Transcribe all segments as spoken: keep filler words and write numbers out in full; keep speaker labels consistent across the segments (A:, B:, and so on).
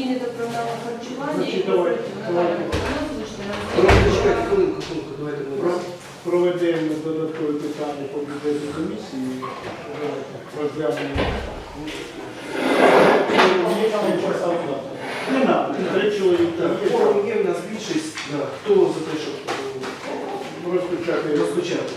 A: зміни до програми харчування і
B: Значить, давай, давай.
C: Чекайте, хвилинку, хвилинку, давайте ми
B: Проведемо додаткові питання по бюджетній комісії. Розглянемо. Не надо, три чоловіка.
C: форум є, у нас більшість. Да. Хто за те, щоб
B: Розпочати.
C: розпочати?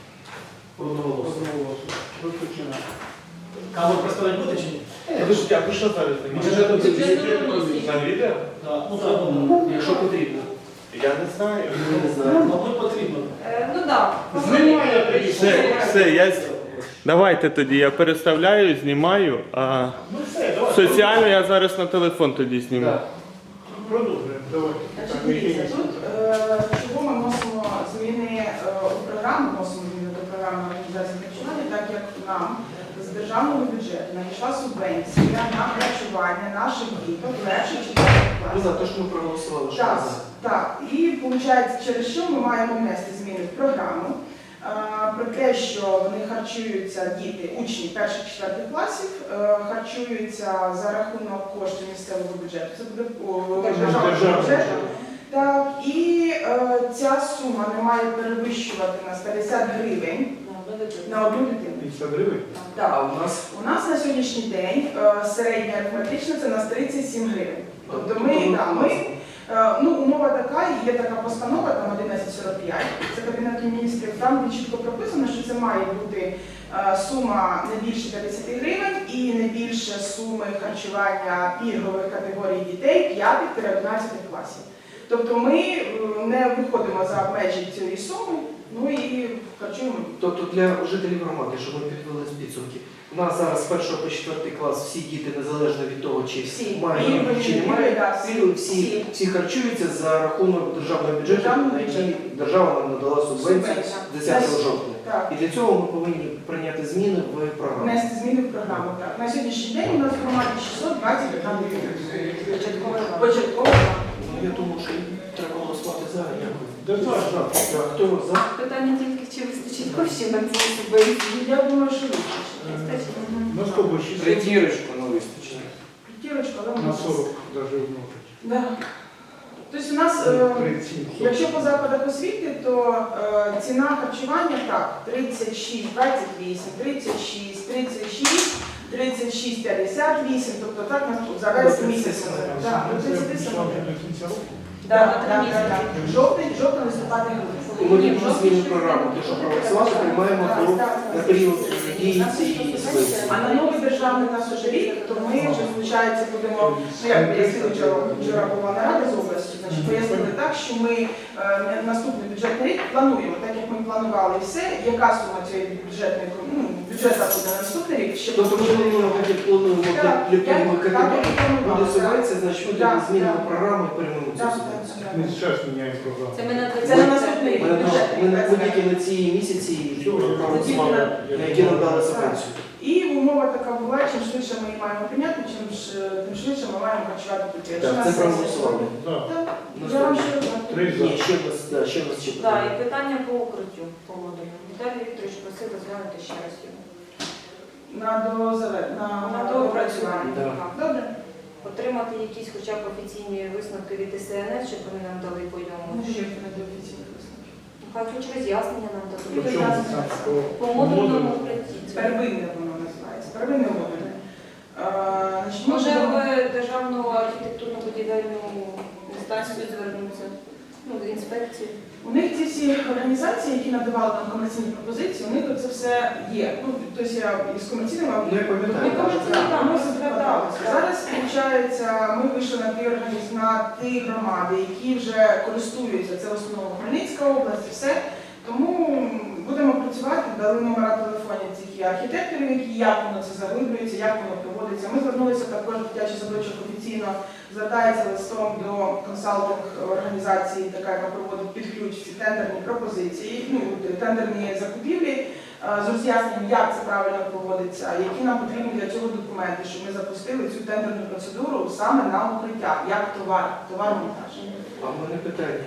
C: Одноголосно.
B: Розпочинаємо.
D: Кого представляти буде чи ні?
C: Е, Ви ж я прийшов зараз.
D: Бюджетна
A: комісія.
D: На відео?
B: Так.
D: Ну, треба.
C: Якщо потрібно.
D: Я не знаю.
C: Ми не знаємо.
D: Мабуть, потрібно.
A: Е, Ну так.
B: Знімає тоді.
E: Все, все, я... з- Давайте тоді, я переставляю, знімаю, а
B: Ну все, давай.
E: соціально я зараз на телефон тоді зніму.
C: Так.
B: Продовжуємо. Давайте.
F: Значить, дивіться, тут е, чого ми вносимо зміни е, у програму, вносимо зміни до програми організації харчування, так як нам з державного бюджету надійшла субвенція на харчування наших діток перших четвертих
C: Ну,
F: класів.
C: за те, що ми проголосували, що
F: Так,
C: ми за.
F: так. І виходить, через що ми маємо внести зміни в програму. е, Про те, що вони харчуються, діти, учні перших-четвертих класів, е, харчуються за рахунок коштів місцевого бюджету. Це буде о, державного
B: Державного.
F: бюджету. Так, і е, ця сума не має перевищувати нас п'ятдесят гривень на одну дитину.
B: п'ятдесят гривень.
C: А
F: Так.
C: у нас
F: У нас на сьогоднішній день е, середня арифметична це на тридцять сім гривень. Тобто ми, да, ми е, ну, умова така, і є така постанова, там одинадцять сорок п'ять, це Кабінету міністрів, там чітко прописано, що це має бути е, сума не більше п'ятдесят гривень і не більше суми харчування пільгових категорій дітей п'ятих-одинадцятих класів. Тобто ми е, не виходимо за межі цієї суми, ну і харчуємо.
C: Тобто для жителів громади, щоб ми підвели з підсумки, у нас зараз з першого по четвертий клас всі діти, незалежно від того, чи
F: Всі.
C: мають
F: Пільгові,
C: чи
F: пільгові,
C: немає,
F: да, всі.
C: пільгові, всі,
F: Всі.
C: всі харчуються за рахунок державного бюджету,
F: Державного
C: на який
F: бюджету.
C: держава нам надала субвенцію
F: Субвенція.
C: з десятого жовтня.
F: Так.
C: І для цього ми повинні прийняти зміни в програму.
F: Внести зміни в програму. Так. На сьогоднішній день у нас в громаді шістсот двадцять гривень. Початково.
C: Ну, я думаю, що треба голосувати за. Дякую.
B: Да, так, так.
C: Так, хто за?
A: Питання тільки, чи вистачить коштів на цю субвенцію.
F: Я думаю, що вистачить.
B: На сколько? шістсот?
C: Притірочку не вистачить.
F: П'ятірочка, але
B: На
F: ми
B: сорок даже умножить.
F: Да. Тобто у нас, е,
B: тридцять сім.
F: якщо по закладах освіти, то е, ціна харчування так, тридцять шість двадцять вісім, тридцять шість, тридцять шість, тридцять шість п'ятдесят вісім, тобто так нас тут за весь місяць. Так, до тридцять сім.
B: До кінця року.
F: Так, так, так. Жовтень, жовтень, листопад,
C: І ми не зміни програму, те, що проголосувати, приймаємо до, на період дії цієї субвенції.
F: А на новий державний нас уже рік, то ми вже, звичайно, будемо, ну як пояснили вчора, вчора була нарада з області, значить пояснили так, що ми е, наступний бюджетний рік плануємо, так як ми планували все, яка сума цієї бюджетної, ну, бюджету буде на наступний рік, ще
C: Тобто ми плануємо, як плануємо для
F: Так,
C: для пільгових
F: так,
C: категорій,
F: так, так,
C: буде
F: так.
C: субвенція, значить ми
F: Так,
C: тоді змінимо
F: так.
C: програму і приймемо цю
F: Так,
C: субвенцію.
F: так,
B: Ми
F: так.
B: зараз міняємо програму.
A: Це ми на
F: Це на наступний
C: Ми,
F: рік.
C: ми не будь-які на ці місяці проголосували, на які нам дали субвенцію.
F: І умова така була, чим швидше ми її маємо прийняти, чим ж, тим швидше ми маємо харчувати дітей. Якщо
C: Так,
F: на
C: це
F: сесії-
C: проголосували.
B: Так.
F: Так, я вам ще раз
B: Три за.
C: Ні, ще раз, да, ще раз ще
A: Так,
C: питання.
A: і питання по укриттю погодою. Віталій Вікторович просив розглянути ще раз його.
F: на дозаве- на,
A: На доопрацювання.
C: Да.
A: Так.
F: Добре.
A: Отримати якісь хоча б офіційні висновки від С Н С, щоб вони нам дали по ньому.
F: Ну, що це не до офіційних висновків?
A: Хай хоч роз'яснення нам
B: По
A: дадуть.
B: чому там?
A: По
B: По
A: модульному
B: модулю?
A: укритті.
F: Первинне воно називається. Первинне модульне. Е, значить,
A: Може
F: можемо-
A: в Державну архітектурно-будівельну інстанцію звернутися, ну, з інспекції.
F: У них ці всі організації, які надавали нам комерційні пропозиції, у них це все є. Ну, тобто я із комерційними
C: Ну, я пам'ятаю.
F: Ми
C: так.
F: комерційні, так, ми зверталися. Зараз, виходить, ми вийшли на ті організ... на ті громади, які вже користуються, це в основному Хмельницька область, і все. Тому будемо працювати, дали номера телефонів цих і архітекторів, які як воно це заглиблюється, як воно проводиться. Ми звернулися також дитячий садочок офіційно, звертається листом до консалтинг організації, така, яка проводить під ключ ці тендерні пропозиції, ну, тендерні закупівлі, е, з роз'ясненням, як це правильно проводиться, які нам потрібні для цього документи, щоб ми запустили цю тендерну процедуру саме на укриття, як товар, товар-монтаж.
C: А в мене питання.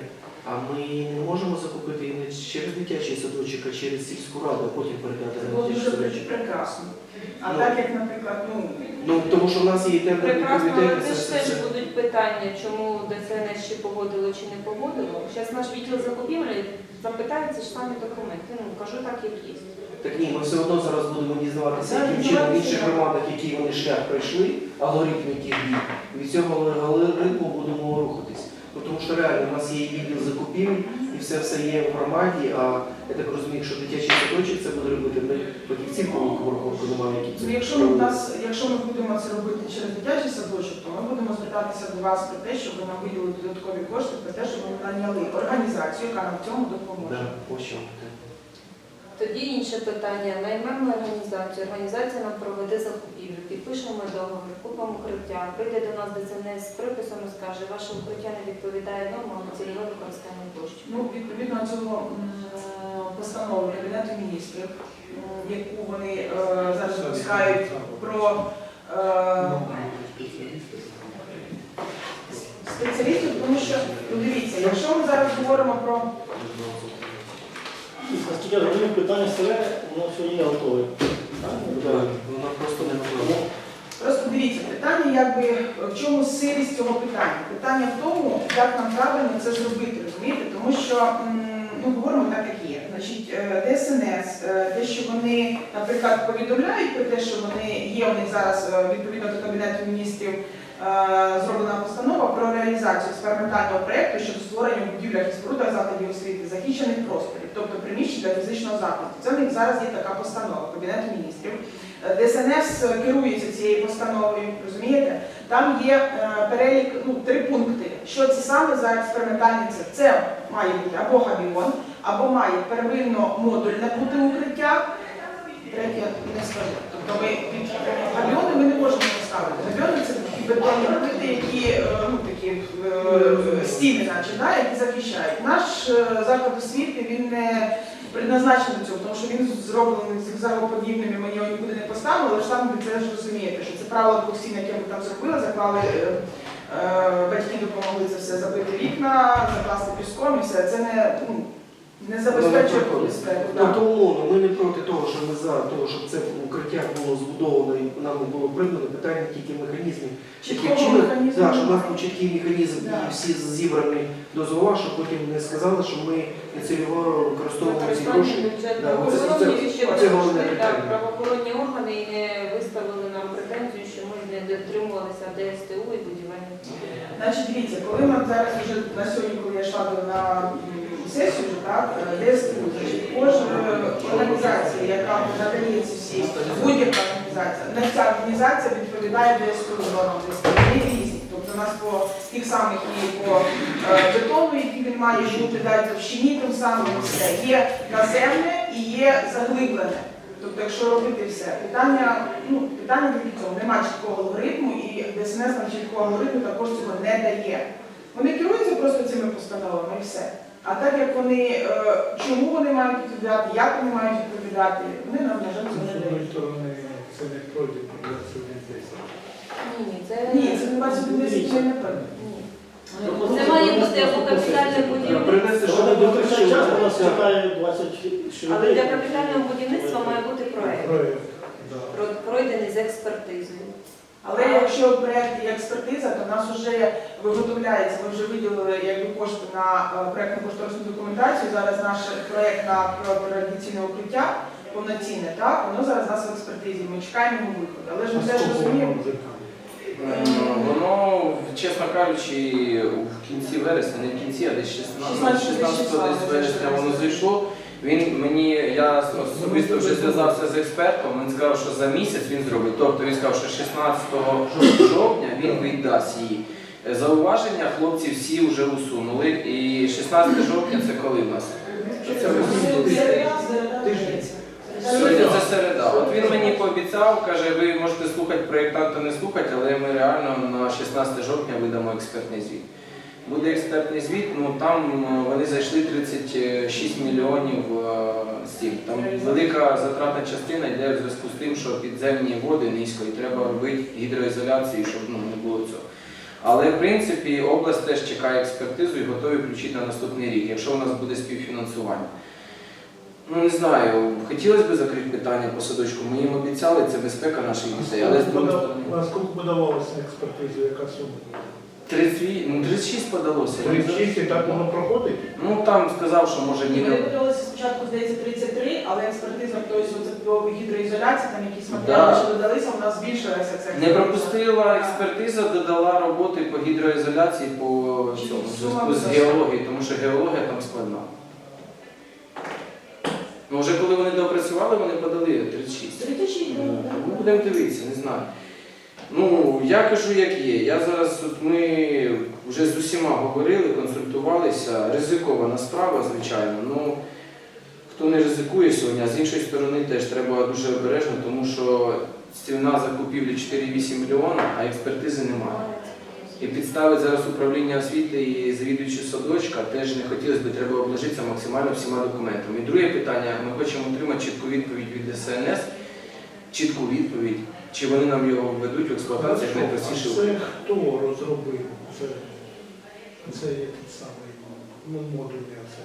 C: А ми не можемо закупити і не через дитячий садочок, а через сільську раду, а потім передати
F: Це
C: на
F: було
C: дитячий
F: дуже
C: садочок.
F: прекрасно. А
C: Ну.
F: так як, наприклад, ну,
C: Ну, тому що в нас є темний
A: Прекрасно, але
C: комітет.
A: теж
C: це-
A: теж
C: це-
A: будуть питання, чому ДСНС чи погодило, чи не погодило. Зараз наш відділ закупівлі запитає ці ж самі документи. Ну, кажу так, як є.
C: Так ні, ми все одно зараз будемо дізнаватися,
F: Так,
C: яким чином в
F: дізнаватися,
C: інших
F: так.
C: громадах, які вони шлях пройшли, алгоритм яких дій. Від цього алгоритму будемо рухатись. Ну, тому що реально у нас є і відділ закупівель, і все все є в громаді, а я так розумію, що дитячий садочок це буде робити ми фахівців по рахунку немає, які це.
F: ну, якщо ми, в нас, якщо ми будемо це робити через дитячий садочок, то ми будемо звертатися до вас про те, щоб ви нам виділили додаткові кошти, про те, щоб ми наняли організацію, яка нам в цьому допоможе.
C: Да, ось що.
A: Тоді інше питання. Наймемо організацію. Організація нам проведе закупівлю. Підпишемо договір, купимо укриття. Прийде до нас ДСНС з приписом і скаже, ваше укриття не відповідає нормам цільове використання коштів.
F: Ну, відповідно цього м, постанови Кабінету міністрів, м, яку вони е, зараз випускають про е, спеціалістів, тому що, ну дивіться, якщо ми зараз говоримо про
D: Наскільки я розумію, питання селе, воно сьогодні готове.
C: Да, вона просто не готова.
F: Просто дивіться, питання, якби в чому сирість цього питання? Питання в тому, як нам правильно це зробити, розумієте? Тому що м, ну, говоримо так, як є. Значить, е, ДСНС, е, те, що вони, наприклад, повідомляють про те, що вони є у них зараз е, відповідно до Кабінету міністрів е, зроблена постанова про реалізацію експериментального проєкту щодо створення в будівлях і спорудах закладів освіти захищених просторів, тобто приміщень для фізичного закладу. Це в них зараз є така постанова Кабінету міністрів. ДСНС керується цією постановою, розумієте? Там є е, перелік, ну, три пункти. Що це саме за експериментальний цех? Це має бути або габіон, або має первинно модульне бути укриття. Третє не скажу. Тобто ми під габіони ми не можемо поставити. Габіони це такі бетонні плити, які е, ну, такі е, стіни, наче, да, які захищають. Наш е, заклад освіти, він не предназначений до цього, тому що він зроблений зигзагоподібними, ми його нікуди не поставили, але ж там ви теж розумієте, що це правило двох стін, яке ми там зробили, заклали, е, е, батьки допомогли це все забити вікна, закласти піском і все. Це не, ну, не забезпечує безпеку.
C: Тобто, умовно, ми не проти того, що ми за того, щоб це укриття було збудовано і нам було придбано, питання тільки механізмів.
F: Чіткого
C: Яким чином,
F: механізму
C: да, щоб у нас
F: немає.
C: був чіткий механізм
F: Да.
C: і всі зібрані дозвола, щоб потім не сказали, що ми нецільово використовуємо ці гроші. Да, оце- це- це- це головне питання.
A: Правоохоронні органи і не виставили нам претензію, що ми не дотримувалися ДСТУ і будівельних.
F: Значить, дивіться, коли ми зараз вже на сьогодні, коли я йшла на м, сесію, так, ДСТУ, значить, кожна організація, яка надає ці всі, будь-яка організація, не ця організація відповідає ДСТУ нормам ДСТУ, вони різні. Тобто у нас по тих самих і по е, бетону, який він має бути, далі товщині, тим самим все. Є наземне і є заглиблене. Тобто, якщо робити все, питання, ну, питання тільки в цьому, немає чіткого алгоритму, і ДСНС нам чіткого алгоритму також цього не дає. Вони керуються просто цими постановами і все. А так як вони, е, чому вони мають відповідати, як вони мають відповідати, вони нам, на жаль, цього
B: З
F: не
B: одної
F: дають.
B: сторони, це не пройде двадцять десять.
A: Ні, ні, це
F: Ні, це не двадцять десять, це не так.
A: Ні. Це має бути або капітальне будівництво,
C: Принести, що
D: Що
C: ми
D: до кінця часу у нас
C: Так.
D: чекає двадцять
A: але для капітального будівництва має бути проект,
B: Проєкт, да.
A: про- пройдений з експертизою.
F: Але якщо проєкт і експертиза, то в нас вже виготовляється, ми вже виділили якби, кошти на е, проєктну кошторисну документацію. Зараз наш проєкт на радіаційне укриття повноцінне, так, воно зараз у нас в експертизі, ми чекаємо його виходу. Але ж ми
B: А
F: теж
B: скільки
F: розуміємо.
B: воно вже там?
G: Е, Воно, чесно кажучи, в кінці вересня, не в кінці, а десь шістнадцятого десь вересня воно зайшло. Він мені, я особисто вже зв'язався з експертом, він сказав, що за місяць він зробить. Тобто він сказав, що шістнадцятого жовтня він віддасть її. Зауваження хлопці всі вже усунули. І шістнадцятого жовтня це коли в нас? Що це
F: Тиждень.
G: Сьогодні це середа. От він мені пообіцяв, каже, ви можете слухати проєктанта, не слухати, але ми реально на шістнадцятого жовтня видамо експертний звіт. Буде експертний звіт, ну там вони зайшли тридцять шість мільйонів е, стіль. Там велика затратна частина йде в зв'язку з тим, що підземні води низько і треба робити гідроізоляцію, щоб ну, не було цього. Але в принципі область теж чекає експертизу і готові включити на наступний рік, якщо у нас буде співфінансування. Ну не знаю, хотілося б закрити питання по садочку. Ми їм обіцяли, це безпека наших дітей, але з другої сторони.
B: А скільки подавалося на експертизу, яка сума?
G: тридцять вісім, ну, тридцять шість подалося.
B: тридцять шість і так воно проходить?
G: Ну там сказав, що може ні.
F: Вони подалися спочатку, здається, тридцять три, але експертиза, тобто це по гідроізоляції, там якісь матеріали,
G: Да.
F: що додалися, у нас збільшилася ця
G: Не пропустила експертиза, додала роботи по гідроізоляції по цьому в зв'язку з геологією, тому що геологія там складна. Ну вже коли вони доопрацювали, вони подали тридцять шість.
F: тридцять шість,
G: Ну, будемо дивитися, не знаю. Ну, я кажу, як є. Я зараз, от ми вже з усіма говорили, консультувалися. Ризикована справа, звичайно. Ну, хто не ризикує сьогодні, а з іншої сторони теж треба дуже обережно, тому що ціна закупівлі чотири вісім мільйона, а експертизи немає. І підставить зараз управління освіти і завідуючий садочка, теж не хотілося б, треба обложитися максимально всіма документами. І друге питання, ми хочемо отримати чітку відповідь від Д С Н С, чітку відповідь, чи вони нам його введуть в експлуатацію як найпростіше.
B: А це хто розробив? Це, це є той самий, ну, модульний оце.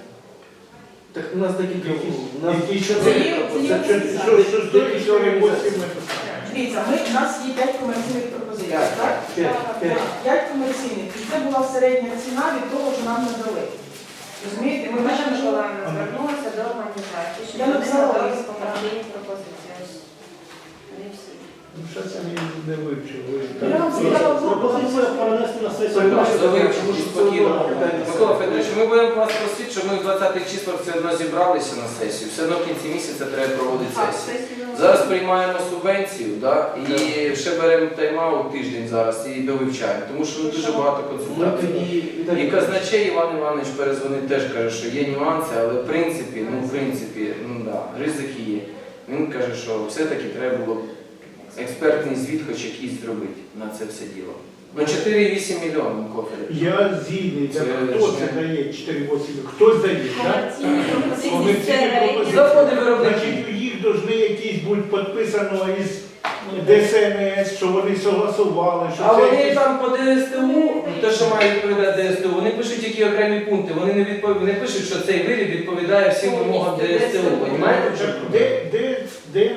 C: Так у нас декілька у нас
B: Які що
F: Це є- це є
B: Це
F: всі
B: що, що стоїть чотири вісім?
F: Дивіться, ми, у нас є п'ять комерційних пропозицій,
C: П'ять,
F: так?
C: п'ять, п'ять.
F: П'ять комерційних. І це була середня ціна від того, що нам надали. Розумієте, ми
A: Наша
F: бачимо, що...
A: Миколаївна звернулася до організації, що
F: Я
A: вони
F: написала
A: надали
F: лист.
A: комерційні пропозиції. Ось вони всі.
B: Ну, що це не, не вивчив? Ви
F: Я вам сказала,
D: Пропозиція перенести на сесію.
C: Переносити.
G: Завивчимо
C: Тому що це
G: спокійно.
C: одно питання.
G: Микола Федорович, ми будемо вас просити, щоб ми в двадцятих числах все одно зібралися на сесію. Все одно в кінці місяця треба проводити
A: Так,
G: сесію.
A: сесію.
G: Зараз приймаємо субвенцію, да? І ще беремо тайм-аут тиждень зараз і довивчаємо, тому що ну, дуже багато
C: Ми
G: консультацій.
C: тоді
G: І
C: Віталій,
G: казначей Іван Іванович перезвонив, теж каже, що є нюанси, але в принципі, ну в принципі, ну да, ризики є. Він каже, що все-таки треба було б експертний звіт хоч якийсь зробити на це все діло. Ну чотири вісім мільйонів кофе.
B: Я згідний,
G: Це
B: так хто
G: ж
B: це
G: не-
B: дає чотири вісім? Хтось дає, так?
A: Комерційні пропозиції
B: Комерційні
A: середні.
B: пропозиції.
G: Заходи виробники.
B: Значить, у їх повинні якісь бути підписано із Д С Н С, що вони согласували, що
G: А
B: це
G: вони
B: якісь-
G: там по Д С Т У, те, що має відповідати Д С Т У, вони пишуть тільки окремі пункти. Вони не відпов... не пишуть, що цей виріб відповідає всім вимогам Д С Т У. Понімаєте? в чому проблема?
B: Де, де, де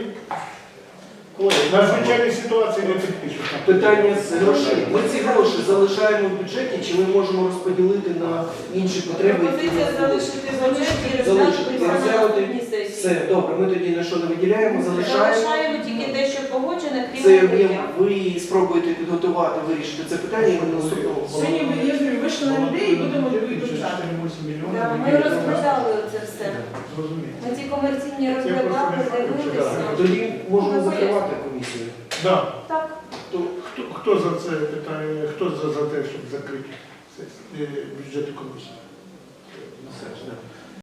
B: на звичайній ситуації не підпишуть.
C: питання з грошей. Ми ці гроші залишаємо в бюджеті, чи ми можемо розподілити на інші потреби? які
A: Пропозиція
C: у нас
A: залишити в бюджеті і
C: Залишити,
A: розглянути на
C: розглянути.
A: наступній сесії.
C: Все, добре, ми тоді на що не виділяємо, залишаємо.
A: Залишаємо тільки те, що погоджене, крім
C: Це ви,
A: укриття.
C: ви спробуєте підготувати, вирішити це питання і ми наступного.
F: Сьогодні ми я ж говорю, вийшли на людей і будемо вивчати.
A: Да, Ми розглядали це все.
B: Зрозуміло.
A: Ми ці комерційні
B: просто
A: розглядали,
B: не факт,
A: дивилися.
C: Тоді можемо закривати комісію.
B: Да.
A: Так.
B: То хто, хто за це питає, хто за, за те, щоб закрити сесію, е, бюджетну комісію?